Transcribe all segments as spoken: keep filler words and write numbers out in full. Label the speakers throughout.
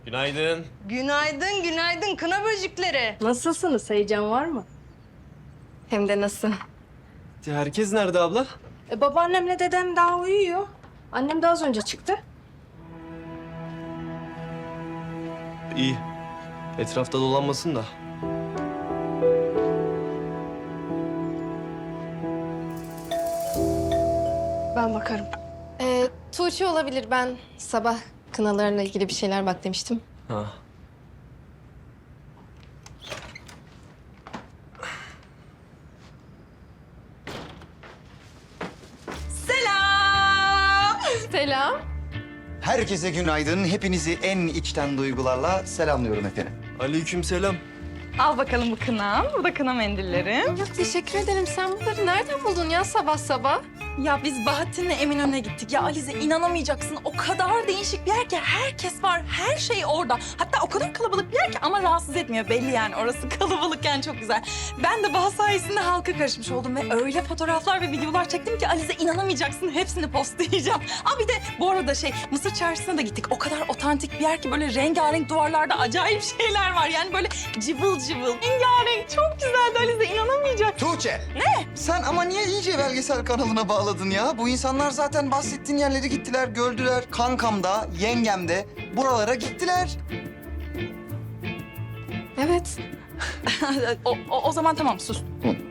Speaker 1: Günaydın.
Speaker 2: Günaydın, günaydın kına böcekleri.
Speaker 3: Nasılsınız? Heyecan var mı?
Speaker 2: Hem de nasıl?
Speaker 1: Herkes nerede abla?
Speaker 3: E, babaannemle dedem daha uyuyor. Annem de az önce çıktı.
Speaker 1: İyi. Etrafta dolanmasın da.
Speaker 3: Ben bakarım.
Speaker 4: Ee, Tuğçe olabilir. Ben sabah kınalarla ilgili bir şeyler bak demiştim.
Speaker 1: Ha.
Speaker 4: Selam.
Speaker 5: Herkese günaydın. Hepinizi en içten duygularla selamlıyorum efendim.
Speaker 1: Aleykümselam.
Speaker 2: Al bakalım bu kınam. Bu da kına mendillerim.
Speaker 4: Ya teşekkür ederim. Sen bunları nereden buldun ya sabah sabah?
Speaker 6: Ya biz Bahattin'le Eminönü'ne gittik. Ya Alize inanamayacaksın. O kadar değişik bir yer ki herkes var. Her şey orada. Hatta o kadar kalabalık bir yer ki ama rahatsız etmiyor. Belli yani orası kalabalıkken çok güzel. Ben de Baha sayesinde halka karışmış oldum ve öyle fotoğraflar ve videolar çektim ki Alize inanamayacaksın. Hepsini postlayacağım. Aa bir de bu arada şey Mısır Çarşısı'na da gittik. O kadar otantik bir yer ki böyle rengarenk duvarlarda acayip şeyler var. Yani böyle cıvıl cıvıl. Rengarenk çok güzeldi Alize inanamayacaksın.
Speaker 5: Tuğçe. Ne? Sen ama niye iyice belgesel kanalına bağladın ya? Bu insanlar zaten bahsettiğin yerleri gittiler, gördüler. Kankam da, yengem de buralara gittiler.
Speaker 4: Evet.
Speaker 6: o, o, o zaman tamam sus.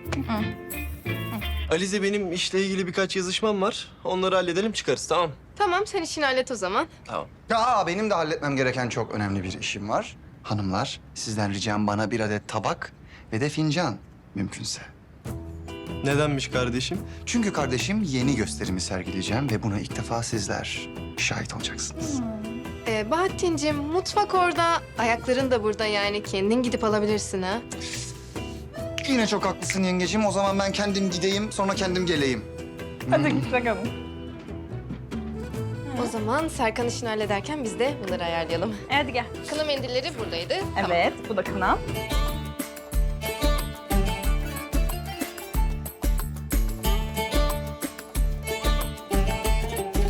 Speaker 1: Alize benim işle ilgili birkaç yazışmam var. Onları halledelim çıkarız tamam.
Speaker 4: Tamam sen işini hallet o zaman.
Speaker 1: Tamam.
Speaker 5: Ya benim de halletmem gereken çok önemli bir işim var. Hanımlar, sizden ricam bana bir adet tabak ve de fincan mümkünse.
Speaker 1: Nedenmiş kardeşim?
Speaker 5: Çünkü kardeşim yeni gösterimi sergileyeceğim ve buna ilk defa sizler şahit olacaksınız.
Speaker 4: Ee, Bahattin'cim mutfak orada, ayakların da burada yani. Kendin gidip alabilirsin ha.
Speaker 5: Yine çok haklısın yengeciğim. O zaman ben kendim gideyim, sonra kendim geleyim.
Speaker 6: Hadi git bakalım.
Speaker 4: O zaman Serkan işini hallederken biz de bunları ayarlayalım.
Speaker 6: Hadi gel.
Speaker 4: Kına mendilleri buradaydı. Tamam.
Speaker 6: Evet, bu da kınam.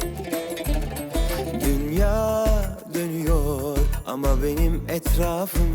Speaker 7: Dünya dönüyor ama benim etrafım